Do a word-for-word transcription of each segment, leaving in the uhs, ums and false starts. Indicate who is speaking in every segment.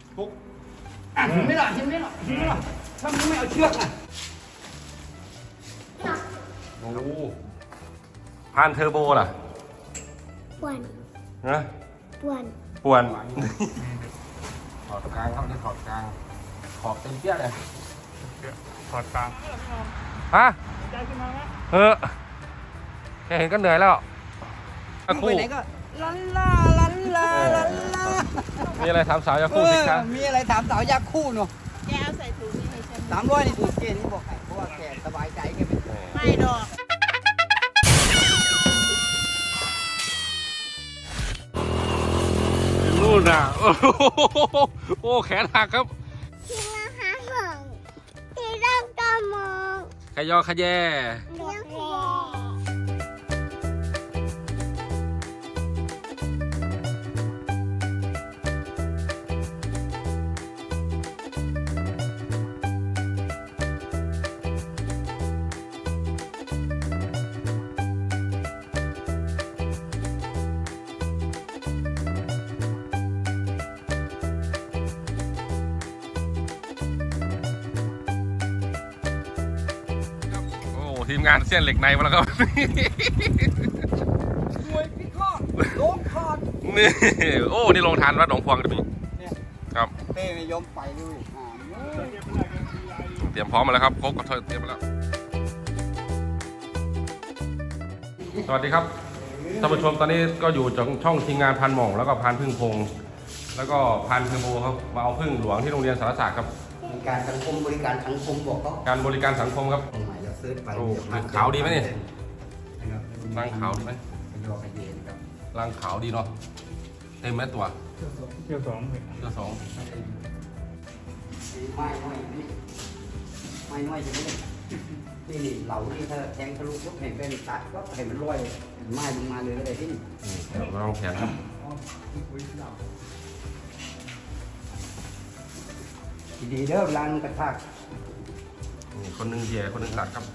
Speaker 1: ปุ๊บ
Speaker 2: อ่ะเห็นไหมล่ะเห็นไหมล่ะเห็นไหมล่ะถ้ามึงไม่เอาเชือกอ่ะ
Speaker 1: โอ้พานเทอร์โบล่ะ
Speaker 3: ป่วน
Speaker 1: นะ
Speaker 3: ป่วน
Speaker 1: ป่วนถอดกลางครับนี่ถอดกลางขอบเต็มเปี้ยเลย
Speaker 4: ถอดกลาง
Speaker 1: ฮะ
Speaker 4: ใจขึ้นมาไหม
Speaker 1: เออแค่เห็นก็เหนื่อยแล้ว
Speaker 2: มึงไปไหนก็ลันลาลันลาลันลา
Speaker 1: มีอะไรถามสาวยาคู่สิคะ
Speaker 2: มีอะไรถามสาวยาคู่เนาะ
Speaker 5: แกเอาใส่ถุงนี่ให้ฉัน
Speaker 2: สามร้อยนี่ถูกเกณฑ์นี่บอกให้เพราะว่าแกสบายใจแกเป็น
Speaker 5: ไม่ดอก
Speaker 1: นู่นน่ะโอ้โหโอ้แขนหักครับ
Speaker 3: ที่ราคาหงที่ร่างกามอง
Speaker 1: ขยอขยแย
Speaker 3: เลี้ยงแพ
Speaker 1: โอ้ทีมงานเส้นเหล็กในมาแล้วครับ
Speaker 2: รวยพี่ข้อโลงคอด
Speaker 1: นี่โอ้นี่ลงทานวัดหนองพวงกันพี่
Speaker 2: เนี่ย
Speaker 1: ครับ
Speaker 2: เต้ไม่ยอมไปเลยอ่า
Speaker 1: เตรียมพร้อมมาแล้วครับโค้กกับเธอเตรียมมาแล้วสวัสดีครับท่านผู้ชมตอนนี้ก็อยู่จากช่องทีมงานพันหม่องแล้วก็พันพึ่งพงแล้วก็พันเทอร์โบครับมาเอาพึ่งหลวงที่โรงเรียนสารศาสตร์ครับ
Speaker 2: การสังคมบริการสังคมบอกเขา
Speaker 1: การบริการสังคมครับ
Speaker 2: ตรงไหนเราซื้อไป
Speaker 1: โอ้ขาวดีไหมเนี่ย ร่างขาวดีไหม
Speaker 2: ขยอขยเยนครับ
Speaker 1: ร่างขาวดีเนาะเต็มไหมตัว
Speaker 4: เที่ยวสองเลย
Speaker 1: เจ้าสอง
Speaker 2: ไม่น้อยนี่ไม่น้อยจะไม่ได้นี่นี่เหล่าที่ถ้าแทงทะลุปุ๊บเห็นเป็นตัดก็เห็นมันลอยไม้ลงมาเลยก็ได้ที่
Speaker 1: นี่เดี๋ยวเราลองแขนครับ
Speaker 2: ดีเด้อร้านกระทาก
Speaker 1: นี่คนหนึงเหยียคนหนึงตัดครับ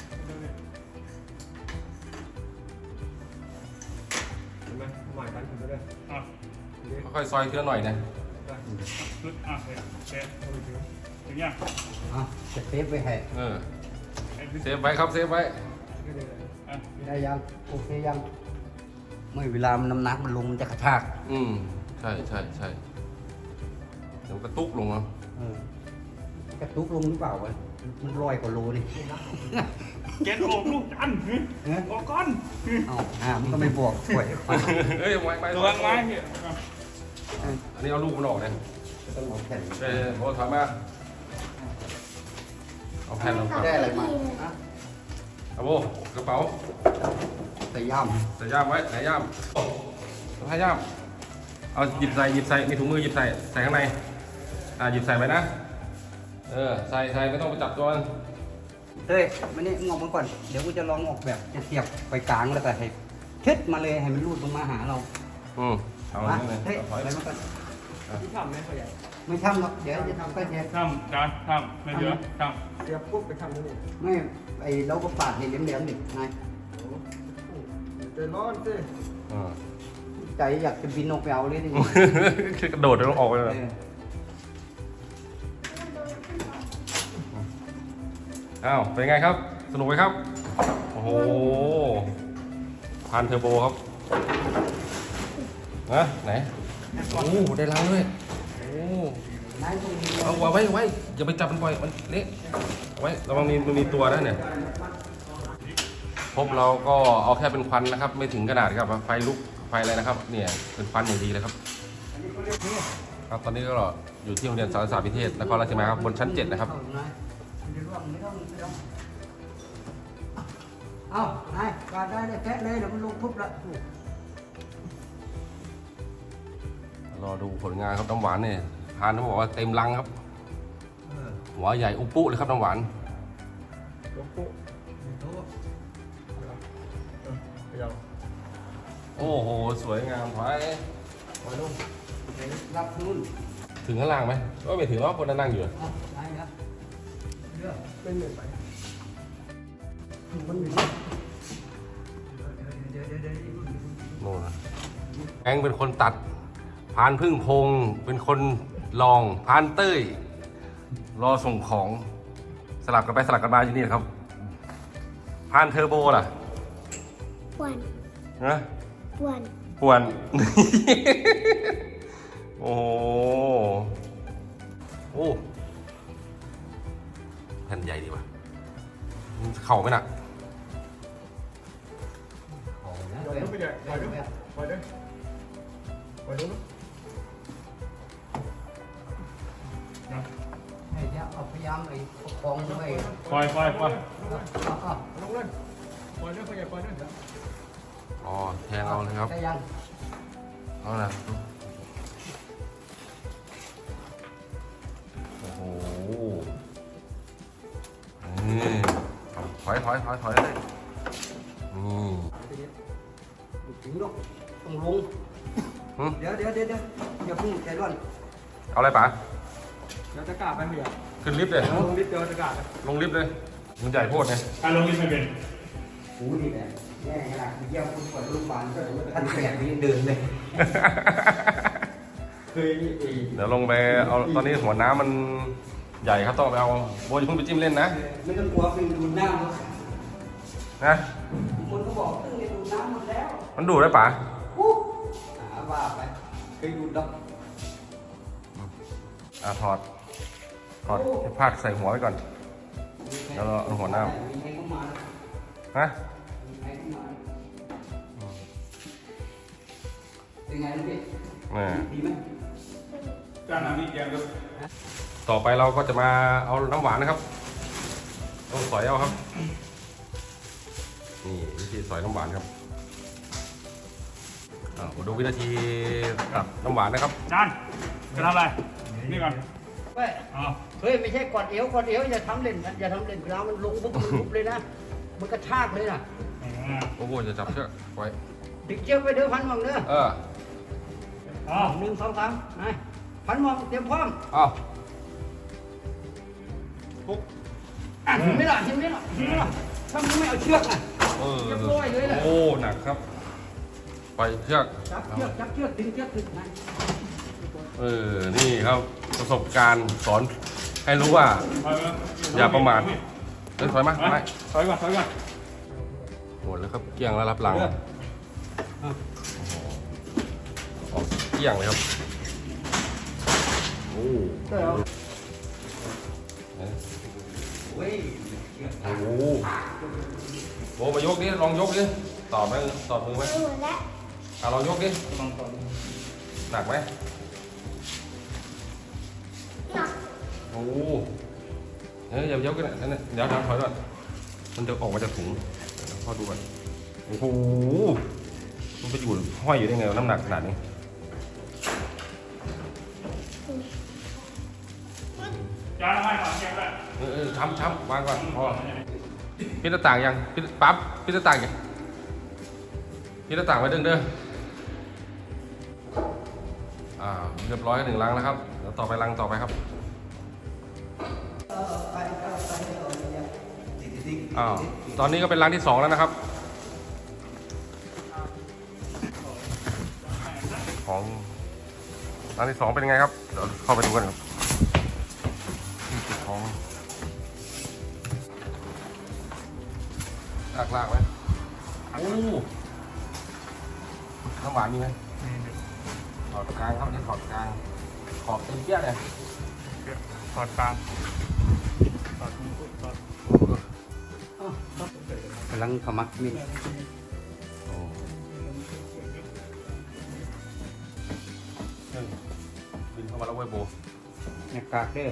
Speaker 4: เห็นไหมหมายกันถึงก็ได้อ่ะ
Speaker 1: ค่อยๆซอยเทือหน่อยนะ
Speaker 4: ลึกอ่ะเฮ้ยแกเอาไปถือถึงยัง
Speaker 2: อ่ะจะเซฟไว้ให้
Speaker 1: เออ
Speaker 4: ไอ้บิ๊ก
Speaker 1: เซฟไว้ครับเซฟไว้
Speaker 4: อ่ะ
Speaker 2: ได้ยังโอเคยังไม่เวลามันน้ำหนักมันลงมันจะกระชาก
Speaker 1: อืมใช่ใช่ใช่เดี๋ยวกระตุกลงเนาะ
Speaker 2: เออกระตุกลงหรือเปล่าวะมันลอยกว่าโลนี่
Speaker 4: แกโอบลูกจันทร์ออกก้อน
Speaker 2: เอ้าอ่ามันก็ไม่บวกป่วย
Speaker 1: เฮ้ยไม้ไม้
Speaker 4: ระวังไม้เนี่ย
Speaker 1: อันนี้เอาลูกมันออกเลย
Speaker 2: ต้องเอาแผ่น
Speaker 1: เออโอ้ถอยมาเอาแผ่นลงก่อน
Speaker 2: ได้อะไรมาอ่ะ
Speaker 1: เอาโบกระเป๋า
Speaker 2: ใส่ย่าม
Speaker 1: ใส่ย่ามไว้ไหนย่ามโอ้ใส่ย่ามเอาหยิบใส่หยิบใส่มีถุงมือหยิบใส่ใส่ข้างในอ่าหยิบใส่ไว้นะเออใส่ใส่ไม่ต้องไปจับตัวมัน
Speaker 2: เฮ้ยมานี่งอกมาก่อนเดี๋ยวกูจะลองออกแบบจะเสียบไปกลางแล้วก็ให้เช็ดมาเลยให้มันรูดลงมาหาเรา
Speaker 1: อืมเอา
Speaker 2: อ่ะ
Speaker 1: อย่างนี้เลย
Speaker 2: เฮ้ย
Speaker 1: ถอย
Speaker 2: อะไรมาก่อน
Speaker 4: ที่ทำไหมพ่อใหญ่
Speaker 2: ไม่ทำหรอกเดี๋ยวจะทำก็เช็ด
Speaker 4: ทำจานทำไม่เยอะท
Speaker 6: เดี๋ยวปุ๊บไปทำนี่
Speaker 2: ไม่ไอเราก็ปาดให้เหลี่ยมๆดินาย
Speaker 6: ใจร้อนสิ
Speaker 1: อ่า
Speaker 2: ใจอยากจะบินออกไปเอาเลยดิ
Speaker 1: คือกระโดดแล้วออกไปเลย
Speaker 2: เออ
Speaker 1: อ้าวเป็นไงครับ สนุกไหมครับ โอ้โหพันเทอร์โบครับนะไหนโอ้ได้ล้างด้วยโอ้
Speaker 2: นายต้องมี
Speaker 1: เอาไว้ไว้อย่าไปจับมันปล่อยมันเละเอาไว้ระวังมีมันมีตัวนะเนี่ยพบเราก็เอาแค่เป็นควันนะครับ ไม่ถึงขนาดครับไฟลุกไฟอะไรนะครับเนี่ยเป็นควันอย่างดีเลยครับครับตอนนี้ก็อยู่ที่โรงเรียนสารศาสตร์วิเทศนครราชสีมาครับบนชั้นเจ็ดนะครับ
Speaker 2: นายไม่ต้องไม่ต้องไม่ต้องเอานายปาดได้เลยแฟะเลยเดี๋ยวมันลงทุบละ
Speaker 1: รอดูผลงานครับน้ำหวานเนี่ยทานเขาบอกว่าเต็มลังครับหัวใหญ่อุปุเลยครับน้ำหวาน
Speaker 6: หลวงปู่เดี๋ยว
Speaker 1: โอ้โหสวยงามไว้
Speaker 2: ปล่อยลงรับนู่น
Speaker 1: ถึงข้างล่างไหมก็ไม่ถึงหรอกคนนั่งอยู่
Speaker 2: เอานายครับเลือก
Speaker 6: เป็นเหนื่อยไปมันมี
Speaker 2: เดี๋ยวเดี๋ยวเดี๋ยวเดี๋ยว
Speaker 1: โน่นนะแองเป็นคนตัดพานพึ่งพงเป็นคนลองพานเต้ยรอส่งของสลับกันไปสลับกันมาอยู่นี่ครับพานเทอร์โบล่ะ
Speaker 3: ปวน
Speaker 1: นะ
Speaker 3: ปวน
Speaker 1: ป่วน โอ้โหโอ้แผ่นใหญ่ดีว่ะมันเข่าไหมน่ะ
Speaker 6: ปล่อยลูกไปใหญ่ปล่อยลูกปล่อยด้วยปล่อยลูก
Speaker 2: ให้เดี๋ยวเอาพยายามไอ้ประคองไว้
Speaker 4: ปล่อยปล่อยปล่อย
Speaker 2: เอาเอา
Speaker 6: ลงเลยปล่อยด้วยปล่อยใหญ่ปล่อยด้วย
Speaker 1: อ๋อแทงเอาเลยครับ
Speaker 2: ได้ยัง
Speaker 1: เอานะโอ้โหนี่ถอยถอยถอยถอยเลยนี่
Speaker 2: ถึงลูกต้องลง
Speaker 1: หึ
Speaker 2: เดี๋ยวเดี๋ยวเดี๋ยวเดี๋ยวอย่าเพิ่งใจร้อน
Speaker 1: เอาอะไรป๋า
Speaker 6: เดี๋ยวจะกล้าไปเมีย
Speaker 1: ขึ้นลิฟต์เลย
Speaker 6: ลงลิฟต์เดี๋ยวจะกล้าไป
Speaker 1: ลงลิฟต์เลยมันใหญ่โพดไง
Speaker 4: อ่ะลงนี่ไม่เป็น
Speaker 2: หูนี่แหละแย่ขนาดเยี่ยมคุณปวดลูกบาลก็ท่านแก่นี้เดินเลย
Speaker 6: เคยนี่เอง
Speaker 1: เดี๋ยวลงไปเอาตอนนี้หัวน้ำมันใหญ่ครับต้องไปเอาโบยาเพิ่งไปจิ้มเล่นนะ
Speaker 2: ไม่ต้องกลัวคือดูดน้ำ
Speaker 1: นะ
Speaker 2: คนก็บอกตึ้งเนี่ยดูดน้ำหมดแล้ว
Speaker 1: มันดูดได้ป๋า
Speaker 2: ปุ๊บหาว่าไปเคยดูดดอก
Speaker 1: อ่ะถอดถอดให้พาดใส่หัวไว้ก่อน แล้วเราเอาหัวหน้า
Speaker 2: มีใครเข้ามา
Speaker 1: ฮะ
Speaker 2: มีใครเข้ามาเป็นไงลูกพี่
Speaker 1: นี่
Speaker 2: ดีไหม
Speaker 4: จานน้ำนี่แกงก็
Speaker 1: ต่อไปเราก็จะมาเอาน้ำหวานนะครับต้องสอยเอาครับนี่วิธีสอยน้ำหวานครับอ่ะมาดูวินาทีตัดน้ำหวานนะครับ
Speaker 4: จานจะทำอะไรนี่ก่อน
Speaker 2: เว้ย
Speaker 4: อ๋อ
Speaker 2: เฮ้ยไม่ใช่กอดเอวกอดเอวอย่าทำเล่นนะอย่าทำเล่นเวลามันลงปุ๊บมันลุบเลยนะ มันกระชากเลยนะ
Speaker 4: อ่า
Speaker 1: โอ้โหจะจับเชือกไว้
Speaker 2: ดึกเชือกไปเด้อพันหมองเด้อ
Speaker 1: เออ
Speaker 4: อ๋อ
Speaker 2: หนึ่งสองสามไปพันหมองเตรียมพร้อม
Speaker 1: เอาปุ๊บ
Speaker 2: อ่ะเห็นไหมล่ะเห็นไหมล่ะเห็นไหมล่ะถ้ามึงไม่เอาเชือกอ่ะ
Speaker 1: เออ
Speaker 2: เรียบร้อยเลยแหละ
Speaker 1: โอ้หนักครับไปเชือก
Speaker 2: จับเชือกจับเชือกดึงเชือกดึงนะ
Speaker 1: เออนี่ครับประสบการณ์สอนให้รู้ว่า
Speaker 4: ถอยมา
Speaker 1: อย่าประมาท เอ้ยถอยมา
Speaker 4: ถอย
Speaker 1: ไม่
Speaker 4: ถอยก่อนถอยก่อน
Speaker 1: หมดแล้วครับเกลี้ยงแล้วรับหลังออกเกลี้ยงเลยครับโอ้
Speaker 2: เดี๋ยวเว้ย
Speaker 1: โหโบมายกดิลองยกดิตอบไหมตอบมือไหม
Speaker 3: หมดแล้ว
Speaker 1: อ่ะลองยกดิ
Speaker 4: ลองต่อดู
Speaker 1: หนักไหม
Speaker 3: หนัก
Speaker 1: โอ้เฮ้ยอย่ายกกันนะนั่นน่ะเดี๋ยวทำถอยก่อนมันจะออกมาจากถุงเดี๋ยวพ่อดูก่อนโอ้โหมันไปอยู่ห้อยอยู่ได้ไงวะน้ำหนักขนาดนี้
Speaker 4: จานให้ก่อนแกงด้วย
Speaker 1: เออเออช้ำช้ำวางก่อนพอพิดหน้าต่างยังพิดปั๊บพิดหน้าต่างยังพิดหน้าต่างไว้เด้งเด้ออ่าเรียบร้อยหนึ่งลังแล้วครับเดี๋ยวต่อไปลังต่อไปครับอ้าวตอนนี้ก็เป็นลังที่สองแล้วนะครับของลังที่สองเป็นยังไงครับเดี๋ยวเข้าไปดูกันครับที่เก็บของลากลากไหมโอ้น้ำหวานมีไหมถอดกลางครับนี่ถอดกลางขอบเต็มเปี้ยเลย
Speaker 4: ถอดกลางถอดมือถอด
Speaker 2: กำลังขมักมิน
Speaker 1: โอ้เครื่องบินเข้ามาแล้วเว้ยโบ
Speaker 2: หน้ากากเด้อ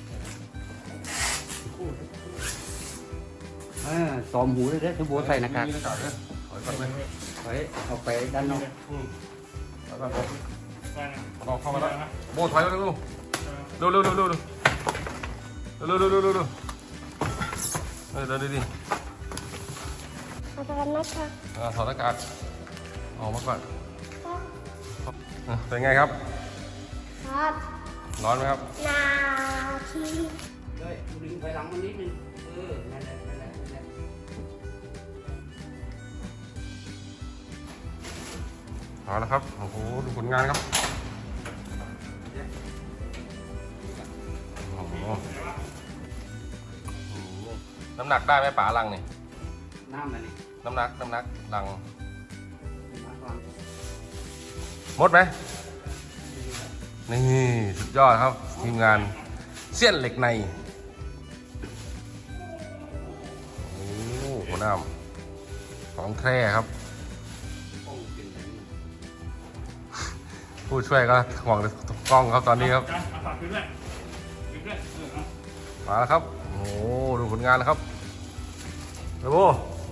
Speaker 2: เออตอมหูเลยเด้อถือบัวใส่หน้ากาก
Speaker 1: มีหน้ากากด้วยถอยก่อนไหม
Speaker 2: เฮ้ยเอาไปด้านนอก
Speaker 1: อืมถอยก่อนโบ
Speaker 4: ได้นะ
Speaker 1: เอาเข้ามาแล้วโบถอยเร็วเร็วเร็วเร็วเร็วเร็วเร็วเร็วเร็วเร็วเร็วเร็วเร็วเออเดินดิดิ
Speaker 3: เอาไปกันนะคะ
Speaker 1: อ่าถอดหน้ากากออกมาก่อนอ่ะเป็นไงครับ
Speaker 3: ครับ
Speaker 1: ร้อนไหมครับ
Speaker 3: นาที
Speaker 2: เฮ้ยดึงไปหลังมันนิดนึงเออนั่นแหละนั่นแหละนั่นแหละ
Speaker 1: เอาละครับ โอ้โห ดูผลงานครับน้ำหนักได้ไหมป๋าลังนี่
Speaker 2: น้ำมันนี่
Speaker 1: น้ำหนักน้ำหนักลัง
Speaker 2: น้ำกลาง
Speaker 1: หมดไหมนี่สุดยอดครับทีมงานเสี้ยนเหล็กในโอ้โหหัวหน้ำของแท้ครับ
Speaker 2: ป้องเป็นแบบนี้
Speaker 1: ผู้ช่วยก็ห่วงกล้องครับตอนนี้ครับ
Speaker 4: จานเอาฝากคืนด้วยคืนด้วยเออเอา
Speaker 1: มาแล้วครับโอ้โหดูผลงานนะครับเร็ว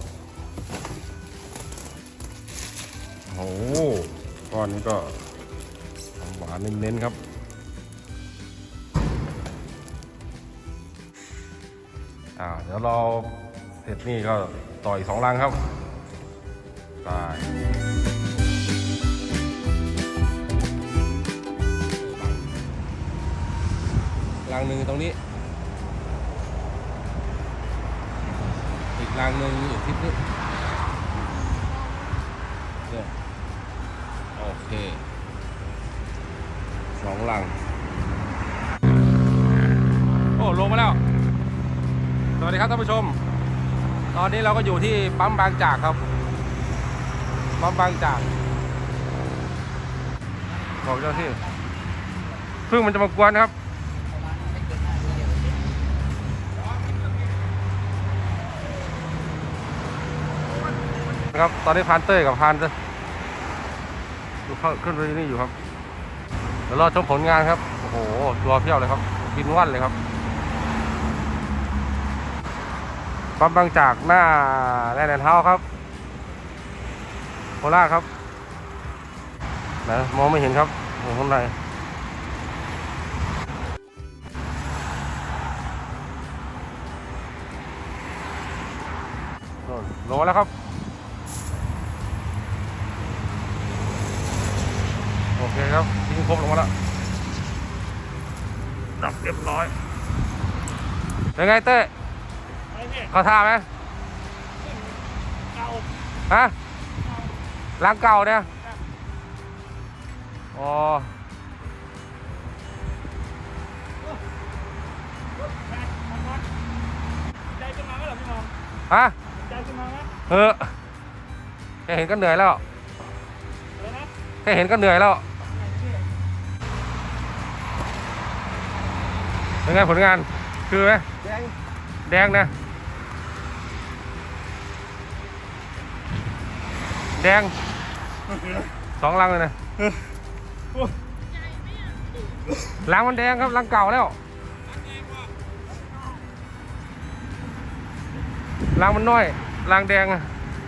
Speaker 1: โอ้โหก้อนนี้ก็หวานเน้นๆครับอ่าเดี๋ยวเราเสร็จนี่ก็ต่ออีกสองรังครับไปรังหนึ่งตรงนี้อีกรังหนึ่งอยู่ทิศนี้เนี่ยโอเคสองรังโอ้ลงมาแล้วสวัสดีครับท่านผู้ชมตอนนี้เราก็อยู่ที่ปั๊มบางจากครับปั๊มบางจากบอกเจ้าที่พึ่งมันจะมากวนครับครับตอนนี้พานเต้ยกับพานจะอยู่เข้าขึ้นไปนี่อยู่ครับเดี๋ยวรอชมผลงานครับโอ้โหตัวเพี้ยวเลยครับบินว่อนเลยครับปั๊มบางจากหน้าแลนด์แอนด์เฮาส์ครับโคราชครับนะมองไม่เห็นครับอยู่ข้างในลงมาแล้วครับโอเคครับทิ้งครบลงมาแล้วดับเรียบร้อยเป็นไงเต้
Speaker 4: ไปพี่
Speaker 1: เข้าท่าไหม
Speaker 4: เก่า
Speaker 1: ฮะล้างเก่าเนี่ยอ๋อ
Speaker 4: ใจขึ้นมาไหมเหรอพี่มอง
Speaker 1: ฮะ
Speaker 4: ใจขึ้นมาไหม
Speaker 1: เออแค่เห็นก็เหนื่อยแล้ว
Speaker 4: เดี๋ยวนะ
Speaker 1: แค่เห็นก็เหนื่อยแล้วเป็นไงผลงานคือไหม
Speaker 2: แดง
Speaker 1: แดงนะแดงสองลังเลยนะลังมันแดงครับลังเก่าแล้วลังมันน้อยลังแดงอะ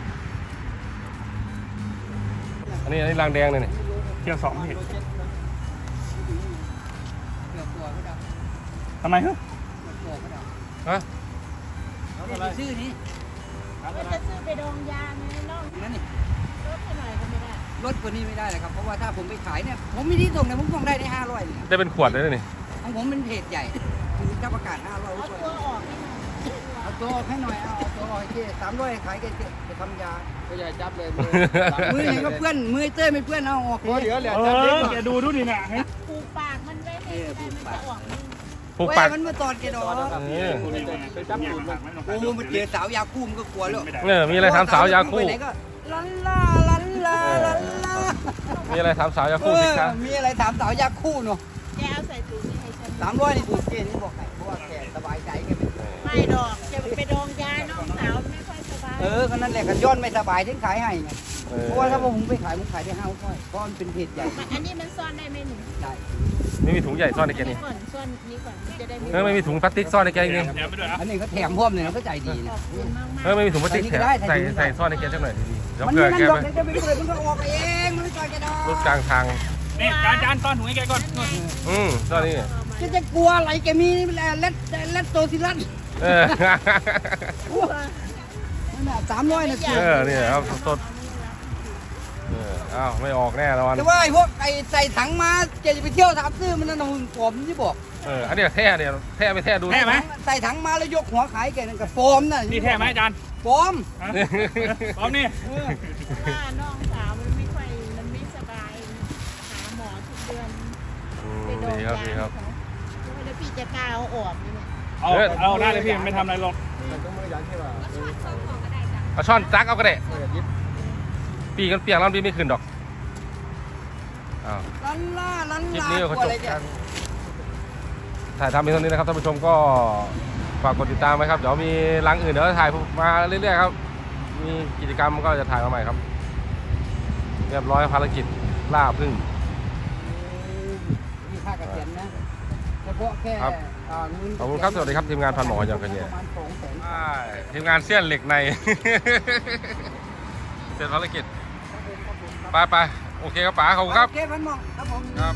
Speaker 1: อันนี้อันนี้ลังแดงเลยนี่
Speaker 4: เที่ยวสองพี่
Speaker 2: เกือบตัวก็ได้
Speaker 4: ทำไมฮึ
Speaker 2: เกือบตัวก็ได้
Speaker 1: ฮะ
Speaker 2: นี่ชื่อนี้
Speaker 5: ก็จะซื้อไปดองยาไงน้อง
Speaker 2: นั่นนี่
Speaker 5: รถให้หน่อยก็ไม่ได้
Speaker 2: ลดกว่านี้ไม่ได้เลยครับเพราะว่าถ้าผมไปขายเนี่ยผมมีที่ส่งเนี่ยผมส่งได้ในห้าร้อยเนี่ย
Speaker 1: ได้เป็นขวดเลยนะนี่
Speaker 2: ของผมเป็นเพจใหญ่คือเจ้าประกาศห้าร้อย
Speaker 5: เอาตัวออกให้หน่อย
Speaker 2: เอาตัวออกให้หน่อยเอาเอาตัวออกให้เจ๊สามร้อยขายแกเจ๊ไปทำยา
Speaker 7: ก็อย่าจับเลยมือ
Speaker 2: มือเห็นก็เพื่อนมือเต้ยไม่เพื่อนเอาออก
Speaker 7: มือเหลือเหลือ
Speaker 4: เอ
Speaker 7: จับเล็ก
Speaker 4: อแกดูดูดิน่ะเฮ้ย
Speaker 5: ปลูกปากมันไว้ให้ได้มันจะออกนี่
Speaker 1: ปลูก
Speaker 2: เว้
Speaker 1: ปาก
Speaker 2: ยมันมาตอดแกดอก
Speaker 1: เออ
Speaker 7: ไปจับตูดมัน
Speaker 2: โอ้โหมันเจอสาวยาคู่มันก็กลัวแล้ว
Speaker 4: ไม่ได้
Speaker 1: เนี่ยมีอะไรถามสาวยาคู่
Speaker 2: ไปไหนก็ลันลาลันลาลันลา
Speaker 1: มีอะไรถามสาวยา
Speaker 2: เอ
Speaker 1: คู่สิ
Speaker 2: อ
Speaker 1: คะ
Speaker 2: มีอะไรถามสาวยาคู่เนาะ
Speaker 5: แกเอาใส่ถุงนี่ให้ฉัน
Speaker 2: สามร้อยนี่ถูกเกณฑ์นี่บอกไงเพราะว่าแกสบายใจแกไม่
Speaker 5: ไม่ดอกจะไปดองยาน้องสาวไม่ค่อยสบาย
Speaker 2: เออก็นั่นแหละกันย้อนไม่สบายถึงขายให้ไง
Speaker 1: เออ
Speaker 2: เพราะว่าถ้าผมไปขายผมขายได้ห้าร้อยเพราะมันเป็นเพจใหญ่
Speaker 5: อันนี้มันซ่อนได้ไหมหนู
Speaker 2: ได้
Speaker 1: ไม่มีถุงใหญ่ซ่อนในแก
Speaker 5: อัน
Speaker 1: นี่
Speaker 5: นี้ก่อนซ่อนนี้ก่อนมันจะได้
Speaker 1: เออไม่มีถุงพลาสติกซ่อนในแกจริง
Speaker 4: แถมไปด้วยอ่ะ
Speaker 2: อันนี้เขาแถมพร้อมเลยนะก็ใจดี
Speaker 5: ข
Speaker 2: นะ
Speaker 5: อบคุณมาก
Speaker 1: ๆ
Speaker 5: ๆ
Speaker 1: เออไม่มีถุงพลาสติกแถม
Speaker 2: ใส่
Speaker 1: ใส่
Speaker 2: นี่ก็ได้
Speaker 1: ใส่ซ่อนในแกจังหน่อยดีๆเดี๋ยว
Speaker 2: มัน
Speaker 1: เผื่
Speaker 2: ไม่
Speaker 1: อ
Speaker 2: นั่น
Speaker 1: แก
Speaker 2: หรอก
Speaker 1: ไป
Speaker 2: เดี๋ยวจะไปเปิดมันก็ออกเองมันไม่ต่อยแกดอก
Speaker 1: รถกลางทาง
Speaker 4: นี่จานจานต้อนถุงให้แกก่อนนู่น
Speaker 1: อืมซ่อนนี่
Speaker 2: จะจะกลัวอะไรแกมีเล็ดเล็ดโตซิลัส
Speaker 1: เออ
Speaker 2: นั่นน่ะสามร้อยนะ
Speaker 1: เออนี่ครับสดๆเอออ้าวไม่ออกแน่นอน
Speaker 2: แต่ว่าไอ้พวกไอ้ใส่ถังมาจะไปเที่ยวถามซื้อมันนั่นน่ะมึงผมที่บอก
Speaker 1: เอออันนี้แท้เนี่ยแท้ไม่แท้ดู
Speaker 4: แท้ไหม
Speaker 2: ใส่ถังมาแล้วยกหัวขายแกนั่นกับโฟมน่ะ
Speaker 4: นี่แท้ไหมอาจารย์
Speaker 2: โฟม
Speaker 4: ฮะพร้อมนี่
Speaker 5: ว่าน้องสาวมันไม่ค่อยมันไม่สบายหาหมอทุกเดือน
Speaker 1: อืม
Speaker 5: ไปดอง
Speaker 1: ดีครับดี
Speaker 5: ยา
Speaker 1: ครับ
Speaker 5: เขาแล้วพี่จะกล้าเอาออกไหมเนี่ย
Speaker 4: เอาเอาได้เลยพี่ไม่ทำอะไรหรอก
Speaker 5: เ
Speaker 7: มันต้องมือยันใช่ป่ะ
Speaker 1: เอาช้อนจักเอาก็ได้
Speaker 7: มือยิบ
Speaker 1: ปีกันเปียกแล้วปีไม่ขึ้นดอกอ้าว
Speaker 5: ร้อนล่าร้อน
Speaker 1: คลิป
Speaker 5: ลา
Speaker 1: นี้ก็จบกันถ่ายทำเป็นเท่านี้นะครับท่านผู้ชมก็ฝากกดติดตามไว้ครับเดี๋ยวมีรังอื่นเดี๋ยวถ่ายมาเรื่อยๆครับมีกิจกรรมก็จะถ่ายมาใหม่ครับเรียบร้อยภารกิจล่าพึ่ง
Speaker 2: มีค่าเกษียณนะเฉพาะแค่
Speaker 1: ครับ
Speaker 2: อ่าเงิน
Speaker 1: ขอบคุณครับสวัสดีครับทีมงานพันหมออย่างกันเนี่ย
Speaker 2: ประมาณสองแสน
Speaker 1: ทีมงานเสี้ยนเหล็กใน เสร็จภารกิจไปไปโอเคครับป๋าขอบคุณครับ
Speaker 2: โอเคพันหมองครับผม
Speaker 1: ครับ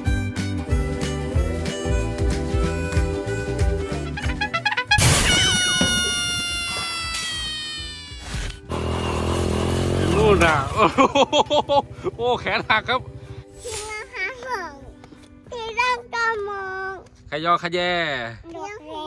Speaker 1: นู่นน่ะ โอ้โหโอ้แขนหักครับ
Speaker 3: ที่มาหาของที่เราก็มอง
Speaker 1: ขยอขยแย
Speaker 3: เลี้ยงแห